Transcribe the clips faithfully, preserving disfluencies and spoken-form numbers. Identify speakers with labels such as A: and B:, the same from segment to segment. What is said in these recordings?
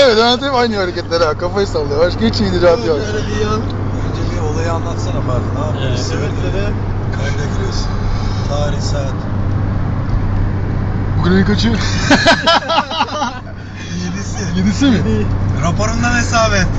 A: evet Levent hep aynı hareketler ha. Kafayı sallıyor. Başka hiç icraat yok.
B: Öyle bir yan. Önce bir olayı anlatsana Fatih. Ne yapıyorsun?
C: Evet,
B: Sebepleri kayda giriyorsun. Tarih, saat.
A: Bugün ayın kaçı?
B: Yedisi.
A: Yedisi mi?
B: Raporundan hesap et.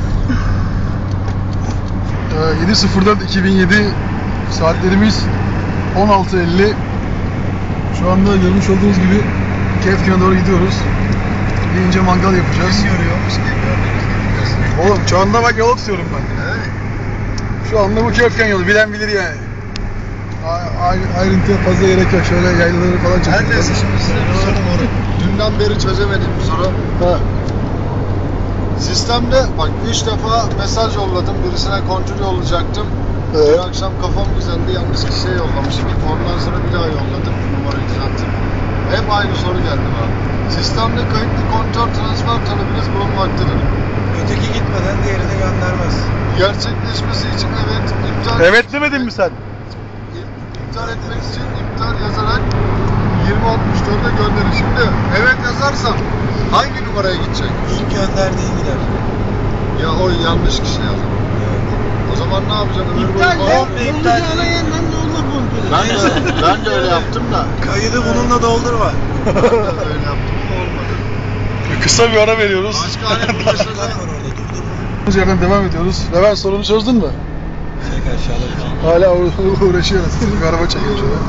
A: Ee, yedi sıfırdan iki bin yedi saatlerimiz on altı elli. Şu anda görmüş olduğunuz gibi Kefken'e doğru gidiyoruz. Bir ince mangal yapacağız.
B: Kim görüyormuş ki gördüğünüz gibi.
A: Oğlum şu anda bak yol tutuyorum ben.
B: Evet.
A: Şu anda bu Kefken yolu bilen bilir yani. A- ay- ayrıntıya fazla gerek yok. Şöyle yaylaları falan çekelim.
B: Her neyse şimdi size bir sorum var. Dünden beri çözemediğim bir soru.
A: Ha.
D: Sistemde bak üç defa mesaj yolladım. Birisine kontrol yollayacaktım.
A: Evet.
D: Dün akşam kafam güzeldi. Yanlış kişiye yollamışım. Ondan sonra bir daha yolladım. Numarayı düzelttim. Hep aynı soru geldi bana. Sistemde kayıtlı kontör transfer talebiniz bulunmaktadır.
B: Öteki gitmeden diğerini göndermez.
D: Gerçekleşmesi için evet iptal
A: Evet demedin mi sen?
D: iptal etmek için iptal yazarak yirmi altmış dörde gönderin. Şimdi evet yazarsam hangi numaraya gidecek?
B: İlk gönderdiğin gider.
D: Ya o yanlış kişi yazdı.
B: Evet.
D: O zaman ne yapacağım? Ömür boyu
B: İptal
D: falan-
B: Komple iptal.
D: Ben de, ben de öyle yaptım da.
B: Kaydı bununla doldurma.
D: Ben de öyle yaptım da olmadı.
A: Kısa bir ara veriyoruz.
D: Başka hani bu
B: Işıklar
D: mesele...
B: var orada durdurma.
A: Bu yerden devam ediyoruz. Levent sorunu çözdün mü?
B: Çek aşağıda bir şey.
A: Hala uğra- uğraşıyoruz. Bir araba çekiyor şöyle.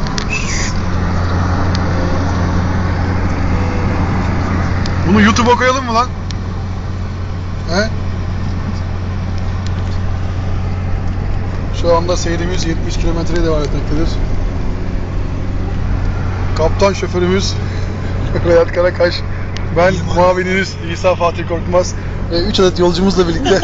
A: Bunu YouTube'a koyalım mı lan? He? Şu anda seyrimiz yetmiş kilometreye devam etmektedir. Kaptan şoförümüz Vedat Karakaş, ben muavininiz İsa Fatih Korkmaz ve üç adet yolcumuzla birlikte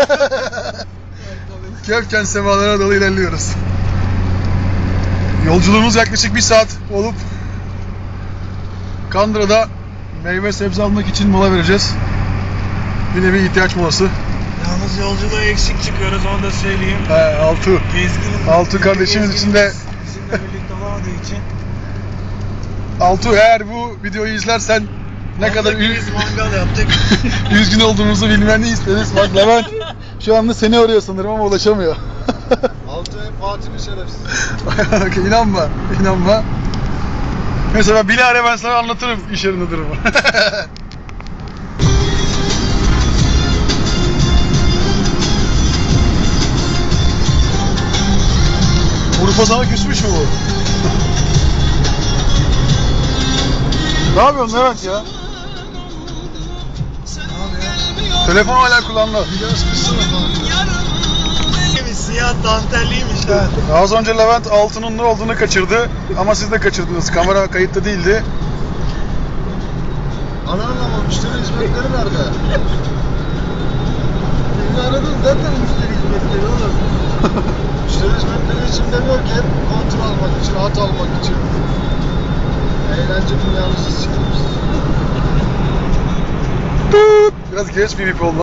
A: Kefken semalarına doğru ilerliyoruz. Yolculuğumuz yaklaşık bir saat olup Kandıra'da meyve sebze almak için mola vereceğiz. Bir nevi ihtiyaç molası.
B: Yalnız yolculuğa eksik çıkıyoruz onu da söyleyeyim.
A: He, Altu.
B: Gezginin,
A: Altu kardeşimiz için de
B: bizimle birlikte olamadığı için
A: Altu eğer bu videoyu izlersen ne kadar ü-
B: biz mangal yaptık.
A: üzgün olduğumuzu bilmeni isteriz. Bak Levent şu anda seni arıyor sanırım ama ulaşamıyor.
D: Altı hep Fatih'in şerefsiz.
A: inanma, inanma. Mesela bilahare ben sana anlatırım iş yerinde durumu. Urfa sana küsmüş mü bu? Ne yapıyorsun Levent ya? Telefon hala kullanılıyor.
D: Biraz kısır falan.
B: Siyah dantelliymiş ha.
A: Az önce Levent altının ne olduğunu kaçırdı ama siz de kaçırdınız. Kamera kayıtta değildi.
D: Anam ama müşteri hizmetleri nerede? Beni aradın zaten müşteri hizmetleri oğlum. Müşteri hizmetleri için demiyor ki hep kontrol almak için, hat almak için. Eğlence dünyamızı sikmiş.
A: Biraz geç bir bip oldu.